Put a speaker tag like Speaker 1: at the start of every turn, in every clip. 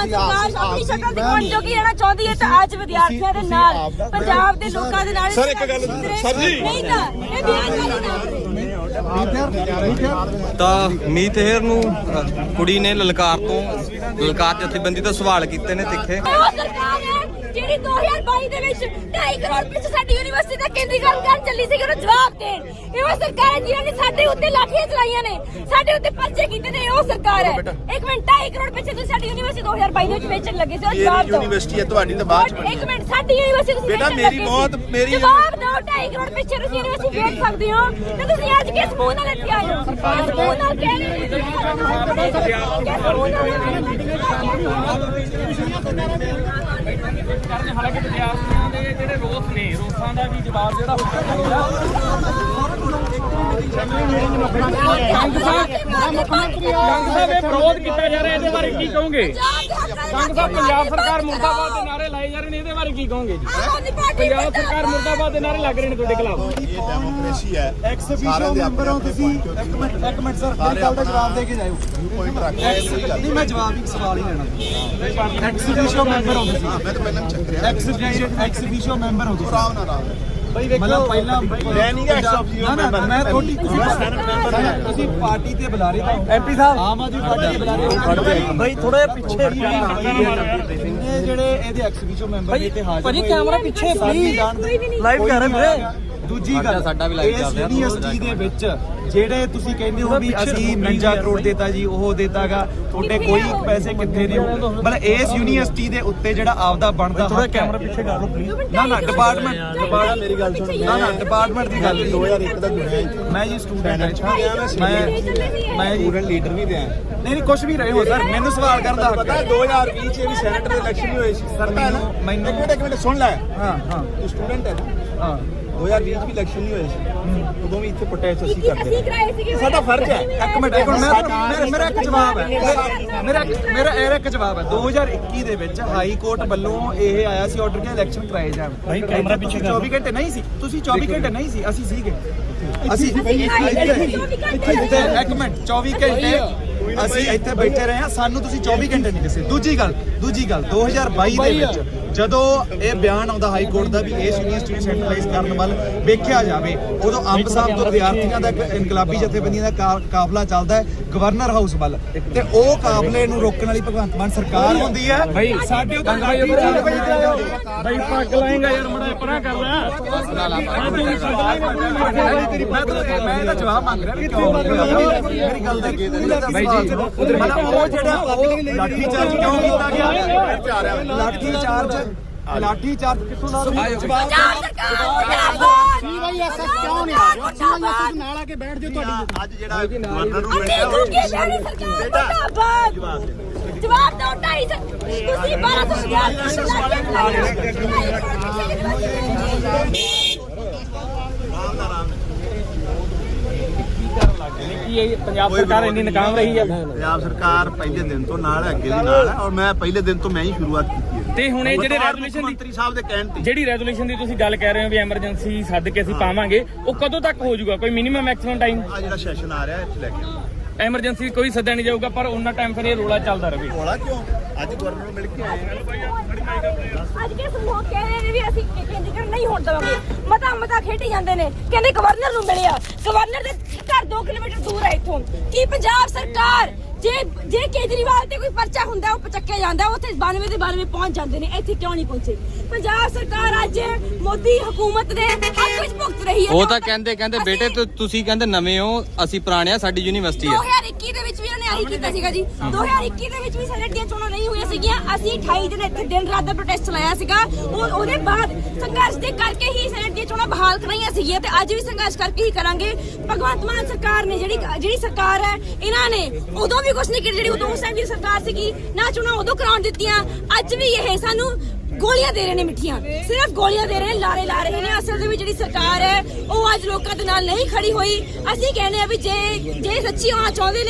Speaker 1: ਸਰਕਾਰ ਆਪਣੀ ਸ਼ਕਲ ਦਿਖਾਉਣ ਜੋਗੀ ਰਹਿਣਾ ਚਾਹੁੰਦੀ ਹੈ ਤਾਂ ਅੱਜ ਵਿਦਿਆਰਥੀਆਂ ਦੇ ਨਾਲ ਪੰਜਾਬ ਦੇ ਲੋਕਾਂ ਦੇ ਨਾਲ
Speaker 2: ਸਰ ਇੱਕ ਗੱਲ ਸਰ ਜੀ
Speaker 1: ਨਹੀਂ ਤਾਂ ਇਹ ਬੇਅਦਬੀ
Speaker 3: ਤਾਂ ਮੀਤ ਹੇਰ ਨੂੰ ਕੁੜੀ ਨੇ ਲਲਕਾਰ ਜਥੇਬੰਦੀ ਤੋਂ ਸਵਾਲ ਕੀਤੇ ਨੇ ਤਿੱਖੇ।
Speaker 1: ਸਰਕਾਰ ਹੈ ਜਿਹੜੀ 2022 ਦੇ ਵਿੱਚ 2.5 ਕਰੋੜ ਪਿੱਛੇ ਸਾਡੀ ਯੂਨੀਵਰਸਿਟੀ ਦਾ ਕੇਂਦਰੀਕਰਨ ਕਰਨ ਚੱਲੀ ਸੀ, ਉਹਨੂੰ ਜਵਾਬ ਦੇਣ। ਇਹ ਸਰਕਾਰ ਹੈ ਜਿਹਨੇ ਸਾਡੇ ਉੱਤੇ ਲਾਠੀਆਂ ਚਲਾਈਆਂ ਨੇ, ਸਾਡੇ ਉੱਤੇ ਪਰਚੇ ਕੀਤੇ ਨੇ, ਉਹ ਸਰਕਾਰ ਹੈ। ਇੱਕ ਮਿੰਟ, 2.5 ਕਰੋੜ ਪਿੱਛੇ ਤੁਸੀਂ ਸਾਡੀ ਯੂਨੀਵਰਸਿਟੀ 2022 ਦੇ ਵਿੱਚ ਵੇਚਣ ਲੱਗੇ ਸੀ, ਉਹ ਜਵਾਬ ਦਿਓ।
Speaker 2: ਯੂਨੀਵਰਸਿਟੀ ਹੈ ਤੁਹਾਡੀ ਤਾਂ ਬਾਅਦ ਚ
Speaker 1: ਇੱਕ ਮਿੰਟ, ਸਾਡੀ ਯੂਨੀਵਰਸਿਟੀ ਤੁਸੀਂ
Speaker 2: ਬੇਟਾ ਮੇਰੀ ਮੌਤ ਮੇਰੀ
Speaker 1: ਜਵਾਬ ਦਿਓ। 2.5 ਕਰੋੜ ਪਿੱਛੇ ਤੁਸੀਂ ਯੂਨੀਵਰਸਿਟੀ ਵੇਚ ਸਕਦੇ ਹੋ ਤੇ ਤੁਸੀਂ ਅੱਜ ਕਿਸ ਮੂੰਹ ਨਾਲ ਇੱਥੇ ਆਏ ਹੋ? ਕਿਸ ਮੂੰਹ ਨਾਲ ਕਹਿ ਰਹੇ ਹੋ?
Speaker 4: ਹਾਲਾਂਕਿ ਵਿਦਿਆਰਥੀਆਂ ਦੇ ਜਿਹੜੇ ਰੋਸ ਨੇ, ਰੋਸਾਂ ਦਾ ਵੀ ਜਵਾਬ ਜਿਹੜਾ ਵਿਰੋਧ ਕੀਤਾ ਜਾ ਰਿਹਾ, ਇਹਦੇ ਬਾਰੇ ਕੀ ਕਹੋਗੇ? ਸੰਘ ਸਾਹਿਬ ਪੰਜਾਬ ਸਰਕਾਰ ਮੁਰਦਾਬਾਦ ਦੇ ਨਾਰੇ ਲਾਏ ਜਾ ਰਹੇ ਨੇ, ਇਹਦੇ ਬਾਰੇ ਕੀ ਕਹੋਗੇ ਜੀ? ਪੰਜਾਬ ਸਰਕਾਰ ਮੁਰਦਾਬਾਦ ਦੇ ਨਾਰੇ ਲੱਗ ਰਹੇ ਨੇ ਤੁਹਾਡੇ ਖਿਲਾਫ।
Speaker 2: ਇਹ ਡੈਮੋਕ੍ਰੇਸੀ ਹੈ।
Speaker 5: ਐਕਸੀਬਿਸ਼ਨ ਮੈਂਬਰ ਹੋ ਤੁਸੀਂ। ਇੱਕ ਮਿੰਟ ਸਰ, ਮੇਰੀ ਗੱਲ ਦਾ ਜਵਾਬ ਦੇ ਕੇ ਜਾਇਓ।
Speaker 2: ਪੁਆਇੰਟ ਰੱਖ
Speaker 5: ਨਹੀਂ, ਮੈਂ ਜਵਾਬ ਇੱਕ ਸਵਾਲ ਹੀ ਲੈਣਾ। ਐਕਸੀਬਿਸ਼ਨ ਮੈਂਬਰ ਹੋ ਤੁਸੀਂ।
Speaker 2: ਮੈਂ ਤਾਂ ਪਹਿਲਾਂ ਚੱਕ ਰਿਹਾ
Speaker 5: ਐਕਸੀਬਿਸ਼ਨ ਮੈਂਬਰ ਹੋ ਤੁਸੀਂ।
Speaker 2: ਰਾਮ ਨਾ ਰਾਮ
Speaker 5: ਮਤਲਬ ਪਹਿਲਾਂ
Speaker 2: ਮੈਂ ਨਹੀਂ ਐਕਸੀਬਿਸ਼ਨ ਮੈਂਬਰ
Speaker 5: ਮੈਂ ਤੁਹਾਡੀ ਤੁਸੀਂ ਪਾਰਟੀ ਤੇ ਬੁਲਾ ਰਹੇ ਹੋ। ਐਮਪੀ ਸਾਹਿਬ ਆਮ ਆਦਮੀ ਪਾਰਟੀ ਤੇ ਬੁਲਾ ਰਹੇ ਹੋ ਬਈ। ਥੋੜਾ ਜਿਹਾ ਪਿੱਛੇ ਜਿਹੜੇ ਇਹਦੇ ਐਕਸੀਬਿਸ਼ਨ ਮੈਂਬਰ ਨੇ ਤੇ ਹਾਜ਼ਰ ਹੋਏ।
Speaker 1: ਕੈਮਰਾ ਪਿੱਛੇ ਪਲੀਜ਼,
Speaker 5: ਲਾਈਵ ਕਰ ਰਹੇ ਮੇਰੇ। ਦੂਜੀ ਗੱਲ, ਸਾਡਾ ਵੀ ਲਾਈਵ ਚੱਲ ਰਿਹਾ। ਯੂਨੀਵਰਸਿਟੀ ਦੇ ਵਿੱਚ ਜਿਹੜੇ ਤੁਸੀਂ ਕਹਿੰਦੇ ਹੋ ਵੀ ਅਸੀਂ 49 ਕਰੋੜ ਦੇਤਾ ਜੀ, ਉਹ ਦੇਤਾਗਾ, ਤੁਹਾਡੇ ਕੋਈ ਪੈਸੇ ਕਿੱਥੇ ਨੇ? ਮਤਲਬ ਇਸ ਯੂਨੀਵਰਸਿਟੀ ਦੇ ਉੱਤੇ ਜਿਹੜਾ ਆਪਦਾ ਬਣਦਾ ਥੋੜਾ ਕੈਮਰਾ ਪਿੱਛੇ ਕਰ ਲਓ ਪਲੀਜ਼। ਨਾ ਡਿਪਾਰਟਮੈਂਟ ਮੇਰੀ ਗੱਲ ਸੁਣੋ। ਨਾ ਡਿਪਾਰਟਮੈਂਟ ਦੀ ਗੱਲ
Speaker 2: 2001 ਦਾ ਜੁੜਿਆ
Speaker 5: ਮੈਂ ਜੀ ਸਟੂਡੈਂਟ ਹਾਂ। ਮੈਂ
Speaker 2: ਸਟੂਡੈਂਟ ਲੀਡਰ ਵੀ ਤੇ ਆ।
Speaker 5: ਨਹੀਂ ਕੁਝ ਵੀ ਰਹੇ ਹੋ ਸਰ, ਮੈਨੂੰ ਸਵਾਲ ਕਰਨ ਦਾ ਹੱਕ
Speaker 2: ਪਤਾ
Speaker 5: ਹੈ।
Speaker 2: 2020 ਚ ਵੀ ਸੈਨੇਟ ਦੇ ਇਲੈਕਸ਼ਨ ਵੀ ਹੋਏ ਸੀ ਸਰ।
Speaker 5: ਮੈਨੂੰ
Speaker 2: ਇੱਕ ਮਿੰਟ ਸੁਣ ਲੈ।
Speaker 5: ਹਾਂ
Speaker 2: ਤੂੰ ਸਟੂਡੈਂਟ ਹੈ ਨਾ?
Speaker 5: ਹਾਂ
Speaker 2: 2020 ਚ ਵੀ ਇਲੈਕਸ਼ਨ ਨਹੀਂ ਹੋਏ ਸੀ, ਉਦੋਂ ਵੀ ਇੱਥੇ ਪ੍ਰੋਟੈਸਟ ਅਸੀਂ ਕਰਦੇ
Speaker 1: ਅਸੀਂ ਕਰਾਏ ਸੀਗੇ।
Speaker 2: ਸਾਡਾ ਫਰਜ਼ ਹੈ।
Speaker 5: ਇੱਕ ਮਿੰਟ ਮੇਰਾ ਇੱਕ ਜਵਾਬ ਹੈ। ਮੇਰਾ ਇੱਕ ਜਵਾਬ ਹੈ। 2021 ਦੇ ਵਿੱਚ ਹਾਈ ਕੋਰਟ ਵੱਲੋਂ ਇਹ ਆਇਆ ਸੀ ਆਰਡਰ ਕਿ ਇਲੈਕਸ਼ਨ ਕਰਾਏ ਜਾਣ। ਭਾਈ ਕੈਮਰਾ ਪਿੱਛੇ 24 ਘੰਟੇ ਨਹੀਂ ਸੀ, ਤੁਸੀਂ 24 ਘੰਟੇ ਨਹੀਂ ਸੀ, ਅਸੀਂ ਸੀਗੇ। ਅਸੀਂ ਇੱਕ ਮਿੰਟ 24 ਘੰਟੇ ਅਸੀਂ ਇੱਥੇ ਬੈਠੇ ਰਹੇ ਹਾਂ, ਸਾਨੂੰ ਤੁਸੀਂ 24 ਘੰਟੇ ਨਹੀਂ ਦੱਸੇ। ਦੂਜੀ ਗੱਲ 2022 ਦੇ ਵਿੱਚ ਜਦੋਂ ਇਹ ਬਿਆਨ ਆਉਂਦਾ ਹਾਈ ਕੋਰਟ ਦਾ ਵੀ ਇਸ ਯੂਨੀਵਰਸਿਟੀ ਨੂੰ ਸੈਂਟਰਲਾਈਜ਼ ਕਰਨ ਵੱਲ ਵੇਖਿਆ ਜਾਵੇ, ਉਦੋਂ ਅੰਬ ਸਾਹਿਬ ਤੋਂ ਵਿਦਿਆਰਥੀਆਂ ਦਾ ਇੱਕ ਇਨਕਲਾਬੀ ਜਥੇਬੰਦੀਆਂ ਦਾ ਕਾਫਲਾ ਚੱਲਦਾ ਹੈ ਗਵਰਨਰ ਹਾਊਸ ਵੱਲ, ਤੇ ਉਹ ਕਾਫਲੇ ਨੂੰ ਰੋਕਣ ਵਾਲੀ ਭਗਵੰਤ ਮਾਨ ਸਰਕਾਰ ਹੁੰਦੀ ਹੈ। ਸਾਡੇ ਉੱਤੇ
Speaker 4: ਭਾਈ ਪੱਗ ਲਾਏਗਾ ਯਾਰ, ਮੜਾ ਪਰਾਂ ਕਰ ਲੈ।
Speaker 5: ਮੈਂ ਤਾਂ ਜਵਾਬ ਮੰਗ ਰਿਹਾ ਵੀ ਕਿਉਂ ਮੇਰੀ ਗੱਲ ਦਾ ਬਾਈ ਜੀ ਮਤਲਬ ਉਹ ਜਿਹੜਾ ਲਾਠੀ ਚਾਰਜ ਕਿਉਂ ਕੀਤਾ ਗਿਆ? ਲਾਠੀ ਚਾਰਜ ਕਿੱਥੋਂ ਦਾ?
Speaker 1: ਪੰਜਾਬ ਸਰਕਾਰ
Speaker 5: ਸੀਵਾਈਐਸਐਸ ਕਿਉਂ ਨਹੀਂ ਆ ਰਿਹਾ? ਸੀਵਾਈਐਸਐਸ ਨਾਲ ਆ ਕੇ ਬੈਠ ਜਾਓ। ਤੁਹਾਡੀ
Speaker 2: ਅੱਜ ਜਿਹੜਾ ਗਵਰਨਰ ਨੂੰ
Speaker 1: ਜਵਾਬ ਦਿਓ। 2.5 ਤੁਸੀਂ 1200
Speaker 4: ਕੀ ਇਹ ਪੰਜਾਬ ਸਰਕਾਰ ਇੰਨੀ ਨਾਕਾਮ ਰਹੀ ਹੈ?
Speaker 2: ਪੰਜਾਬ ਸਰਕਾਰ ਪਹਿਲੇ ਦਿਨ ਤੋਂ ਨਾਲ ਹੈ, ਅੱਗੇ ਵੀ ਨਾਲ ਹੈ, ਔਰ ਮੈਂ ਪਹਿਲੇ ਦਿਨ ਤੋਂ ਮੈਂ ਹੀ ਸ਼ੁਰੂਆਤ ਕੀਤੀ ਹੈ।
Speaker 4: ਤੇ ਹੁਣ ਇਹ ਜਿਹੜੇ ਰੈਜ਼ੋਲੂਸ਼ਨ ਦੀ
Speaker 2: ਮੰਤਰੀ ਸਾਹਿਬ ਦੇ ਕਹਿਣ ਤੇ
Speaker 4: ਜਿਹੜੀ ਰੈਜ਼ੋਲੂਸ਼ਨ ਦੀ ਤੁਸੀਂ ਗੱਲ ਕਹਿ ਰਹੇ ਹੋ ਵੀ ਐਮਰਜੈਂਸੀ ਸੱਦ ਕੇ ਅਸੀਂ ਪਾਵਾਂਗੇ, ਉਹ ਕਦੋਂ ਤੱਕ ਹੋ ਜਾਊਗਾ? ਕੋਈ ਮਿਨੀਮਮ ਮੈਕਸਿਮਮ ਟਾਈਮ?
Speaker 2: ਆ ਜਿਹੜਾ ਸੈਸ਼ਨ ਆ ਰਿਹਾ ਇੱਥੇ ਲੈ ਕੇ
Speaker 4: ਐਮਰਜੈਂਸੀ ਕੋਈ ਸੱਦਿਆ ਨਹੀਂ ਜਾਊਗਾ, ਪਰ ਉਹਨਾਂ ਟਾਈਮ ਫਿਰ ਇਹ ਰੋਲਾ ਚੱਲਦਾ ਰਹੇ।
Speaker 2: ਹੋਲਾ ਕਿਉਂ? ਅੱਜ ਗਵਰਨਰ ਨੂੰ ਮਿਲ ਕੇ ਆਏ
Speaker 1: ਅੱਜ ਕੇ ਸਮੂਹ ਕਹਿ ਰਹੇ ਨੇ ਵੀ ਅਸੀਂ ਕੇਂਦਰੀਕਰਨ ਨਹੀਂ ਹੋਣ ਦੇਵਾਂਗੇ। ਮਤਾ ਖੇਡੀ ਜਾਂਦੇ ਨੇ, ਕਹਿੰਦੇ ਗਵਰਨਰ ਨੂੰ ਮਿਲਿਆ। ਗਵਰਨਰ ਦੇ ਘਰ 2 ਕਿਲੋਮੀਟਰ ਦੂਰ ਹੈ ਇੱਥੋਂ। ਕੀ ਪੰਜਾਬ ਸਰਕਾਰ ਜੇ ਕੇਜਰੀਵਾਲ ਤੇ ਕੋਈ ਪਰਚਾ ਹੁੰਦਾ ਉਹ ਪਚੱਕਿਆ ਜਾਂਦਾ, ਉੱਥੇ 92 ਦੇ 92 ਪਹੁੰਚ ਜਾਂਦੇ ਨੇ, ਇੱਥੇ ਕਿਉਂ ਨਹੀਂ ਪਹੁੰਚੇ? ਪੰਜਾਬ ਸਰਕਾਰ ਅੱਜ ਮੋਦੀ ਹਕੂਮਤ ਦੇ ਹੱਕ ਵਿੱਚ ਭੁਗਤ ਰਹੀ ਹੈ।
Speaker 3: ਉਹ ਤਾਂ ਕਹਿੰਦੇ ਬੇਟੇ ਤੁਸੀਂ ਕਹਿੰਦੇ ਨਵੇਂ ਹੋ, ਅਸੀਂ ਪੁਰਾਣੇ ਆ, ਸਾਡੀ ਯੂਨੀਵਰਸਿਟੀ ਆ।
Speaker 1: 2021 ਦੇ ਵਿੱਚ ਵੀ ਉਹਨੇ ਆਹੀ ਕੀਤਾ ਸੀਗਾ ਜੀ। 2021 ਦੇ ਵਿੱਚ ਵੀ ਸੈਨੇਟ ਦੀਆਂ ਚੋਣਾਂ ਨਹੀਂ ਹੋਈਆਂ ਸੀਗੀਆਂ। ਅਸੀਂ 28 ਦਿਨ ਇੱਥੇ ਦਿਨ ਰਾਤ ਦਾ ਪ੍ਰੋਟੈਸਟ ਚਲਾਇਆ ਸੀਗਾ। ਉਹਦੇ ਬਾਅਦ ਸੰਘਰਸ਼ ਦੇ ਕਰਕੇ ਹੀ ਸੈਨੇਟ ਦੀਆਂ ਚੋਣਾਂ ਬਹਾਲ ਕਰਾਈਆਂ ਸੀਗੀਆਂ ਤੇ ਅੱਜ ਵੀ ਸੰਘਰਸ਼ ਕਰਕੇ ਹੀ ਕਰਾਂਗੇ। ਭਗਵੰਤ ਮਾਨ ਸਰਕਾਰ ਨੇ ਜਿਹੜੀ ਸਰਕਾਰ ਹੈ, ਇਹਨਾਂ ਨੇ ਉਦੋਂ ਵੀ ਕੁਝ ਨਹੀਂ ਕੀਤਾ। ਜਿਹੜੀ ਉਦੋਂ ਉਸ ਟਾਈਮ ਦੀ ਸਰਕਾਰ ਸੀਗੀ ਨਾ, ਚੋਣਾਂ ਉਦੋਂ ਕਰਾਉਣ ਦਿੱਤੀਆਂ। ਅੱਜ ਵੀ ਇਹ ਸਾਨੂੰ ਗੋਲੀਆਂ ਦੇ ਰਹੇ ਨੇ, ਮਿੱਠੀਆਂ ਸਿਰਫ ਗੋਲੀਆਂ ਦੇ ਰਹੇ ਨੇ, ਲਾਰੇ ਲਾ ਰਹੇ ਨੇ। ਅਸਲ ਦੇ ਵਿੱਚ ਜਿਹੜੀ ਸਰਕਾਰ ਹੈ ਉਹ ਅੱਜ ਲੋਕਾਂ ਦੇ ਨਾਲ ਨਹੀਂ ਖੜੀ ਹੋਈ। ਅਸੀਂ ਕਹਿੰਦੇ ਆ ਵੀ ਜੇ ਸੱਚੀ ਹੋਣਾ ਚਾਹੁੰਦੇ ਨੇ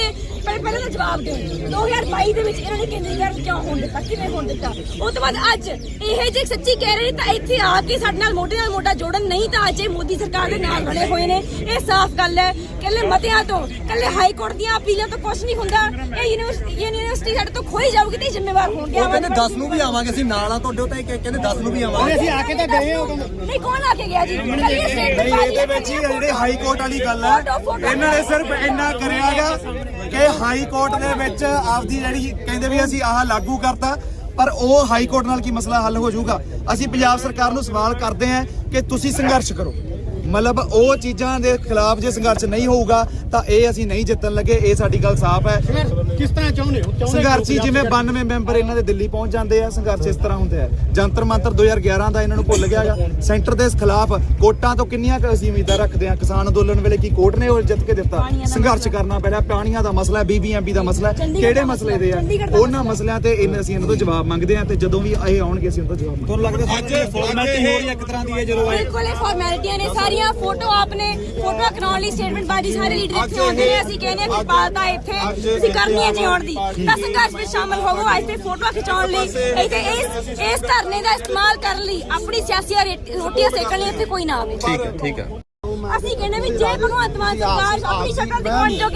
Speaker 1: ਪਹਿਲਾਂ ਤਾਂ ਜਵਾਬ ਦਿਓ 2022 ਦੇ ਵਿੱਚ ਇਹਨਾਂ ਨੇ ਕੇਂਦਰੀਕਰਨ ਕਿਉਂ ਹੋਣ ਦਿੱਤਾ, ਕਿਵੇਂ ਹੋਣ ਦਿੱਤਾ? ਉਸ ਤੋਂ ਬਾਅਦ ਅੱਜ ਇਹ ਜੇ ਸੱਚੀ ਕਹਿ ਰਹੇ ਤਾਂ ਇੱਥੇ ਆ ਕੇ ਸਾਡੇ ਨਾਲ ਮੋਢੇ ਨਾਲ ਮੋਢਾ ਜੋੜਨ, ਨਹੀਂ ਤਾਂ ਅੱਜ ਇਹ ਮੋਦੀ ਸਰਕਾਰ ਦੇ ਨਾਲ ਬਣੇ ਹੋਏ ਨੇ। ਇਹ ਸਾਫ਼ ਗੱਲ ਹੈ। ਕੱਲੇ ਮਤਿਆਂ ਤੋਂ, ਕੱਲੇ ਹਾਈ ਕੋਰਟ ਦੀਆਂ ਅਪੀਲਾਂ ਤੋਂ ਕੁਝ ਨਹੀਂ ਹੁੰਦਾ। ਇਹ ਯੂਨੀਵਰਸਿਟੀ ਸਾਡੇ ਤੋਂ ਖੋਈ ਜਾਊਗੀ ਤੇ ਜ਼ਿੰਮੇਵਾਰ ਹੋਣਗੇ।
Speaker 6: ਉਹ ਕਹਿੰਦੇ 10 ਨੂੰ ਵੀ ਆਵਾਂਗੇ ਅਸੀਂ ਨਾਲ ਆ ਤੁਹਾਡੇ, ਤਾਂ ਕਹਿੰਦੇ 10 ਨੂੰ ਵੀ ਆਵਾਂਗੇ।
Speaker 5: ਅਸੀਂ ਆ ਕੇ ਤਾਂ ਗਏ ਹਾਂ।
Speaker 1: ਨਹੀਂ, ਕੌਣ ਆ ਕੇ ਗਿਆ ਜੀ? ਕੱਲੀ
Speaker 5: ਨਹੀਂ, ਇਹਦੇ ਵਿੱਚ ਹੀ ਜਿਹੜੇ ਹਾਈ ਕੋਰਟ ਵਾਲੀ ਗੱਲ ਹੈ, ਇਹਨਾਂ ਨੇ ਸਿਰਫ ਇੰਨਾ ਕਰਿਆਗਾ ਕਿ ਹਾਈ ਕੋਰਟ ਦੇ ਵਿੱਚ ਆਪਦੀ ਜਿਹੜੀ ਕਹਿੰਦੇ ਵੀ ਅਸੀਂ ਆਹ ਲਾਗੂ ਕਰਤਾ, ਪਰ ਉਹ ਹਾਈ ਕੋਰਟ ਨਾਲ ਕੀ ਮਸਲਾ ਹੱਲ ਹੋ ਜਾਊਗਾ? ਅਸੀਂ ਪੰਜਾਬ ਸਰਕਾਰ ਨੂੰ ਸਵਾਲ ਕਰਦੇ ਹਾਂ ਕਿ ਤੁਸੀਂ ਸੰਘਰਸ਼ ਕਰੋ। ਮਤਲਬ ਉਹ ਚੀਜ਼ਾਂ ਦੇ ਖਿਲਾਫ ਜੇ ਸੰਘਰਸ਼ ਨਹੀਂ ਹੋਊਗਾ ਤਾਂ ਇਹ ਅਸੀਂ ਨਹੀਂ ਜਿੱਤਣ ਲੱਗੇ। ਇਹ ਸਾਡੀ ਗੱਲ ਸਾਫ਼ ਹੈ।
Speaker 6: ਕਿਸ ਤਰ੍ਹਾਂ ਚਾਹੁੰਦੇ ਹੋ?
Speaker 5: ਸੰਘਰਸ਼ੀ ਜਿਵੇਂ 92 ਮੈਂਬਰ ਇਹਨਾਂ ਦੇ ਦਿੱਲੀ ਪਹੁੰਚ ਜਾਂਦੇ ਆ, ਸੰਘਰਸ਼ ਇਸ ਤਰ੍ਹਾਂ ਹੁੰਦੇ ਆ। ਜੰਤਰ ਮੰਤਰ 2011 ਦਾ ਇਹਨਾਂ ਨੂੰ ਭੁੱਲ ਗਿਆਗਾ। ਸੈਂਟਰ ਦੇ ਖਿਲਾਫ ਕੋਰਟਾਂ ਤੋਂ ਕਿੰਨੀਆਂ ਕੁ ਅਸੀਂ ਉਮੀਦਾਂ ਰੱਖਦੇ ਆ? ਕਿਸਾਨ ਅੰਦੋਲਨ ਵੇਲੇ ਕੀ ਕੋਰਟ ਨੇ ਉਹ ਜਿੱਤ ਕੇ ਦਿੱਤਾ? ਸੰਘਰਸ਼ ਕਰਨਾ ਪੈਣਾ। ਪਾਣੀਆਂ ਦਾ ਮਸਲਾ, BBMP ਦਾ ਮਸਲਾ, ਕਿਹੜੇ ਮਸਲੇ ਦੇ ਆ? ਉਹਨਾਂ ਮਸਲਿਆਂ ਤੇ ਅਸੀਂ ਇਹਨਾਂ ਤੋਂ ਜਵਾਬ ਮੰਗਦੇ ਆ ਤੇ ਜਦੋਂ ਵੀ ਇਹ ਆਉਣਗੇ ਅਸੀਂ ਉਹਨਾਂ ਤੋਂ ਜਵਾਬ ਮੰਗਾਂਗੇ।
Speaker 6: ਤੁਹਾਨੂੰ ਲੱਗਦਾ ਅੱਜ ਫਾਰਮੈਲਿਟੀ ਹੋ ਰਹੀ ਹੈ ਇੱਕ ਤਰ੍ਹਾਂ ਦੀ ਹੈ ਜਦੋਂ
Speaker 1: ਬਿਲਕੁਲ ਇਹ ਫਾਰਮੈਲਿਟੀਆਂ ਨੇ ਸਾਰੀਆਂ। ਫੋਟੋ ਆਪਨੇ ਫੋਟੋ ਕਰਾਉਣ ਲਈ ਸਟੇਟਮੈਂਟ ਬਾਜੀ ਸਾਰੇ ਲੀਡਰ ਇੱਥੇ ਆਉਂਦੇ ਨੇ। ਅਸੀਂ ਕਹਿੰਦੇ ਆ ਕਿ ਪਾਲਤਾ ਇੱਥੇ ਤੁਸੀਂ ਕਰਨੀ ਹੈ ਜੀ ਆਉਣ ਦੀ, ਤਾਂ ਸੰਘਰਸ਼ ਵਿੱਚ ਸ਼ਾਮਲ ਹੋਵੋ। ਅੱਜ ਤੇ ਫੋਟੋ ਖਿਚਾਉਣ ਲਈ ਇੱਥੇ ਇਸ ਧਰਨੇ ਦਾ ਇਸਤੇਮਾਲ ਕਰਨ ਲਈ, ਆਪਣੀ ਸਿਆਸੀ ਰੋਟੀਆਂ ਸੇਕਣ ਲਈ ਇੱਥੇ ਕੋਈ ਨਾ ਆਵੇ।
Speaker 3: ਠੀਕ ਹੈ।
Speaker 1: ਅਸੀਂ ਕਹਿੰਦੇ ਵੀ ਜੇ ਭਗਵੰਤ ਮਾਨ ਸਰਕਾਰ ਆਪਣੀ ਸ਼ਕਲ ਦਿਖਾਉਣ ਜੋਗੀ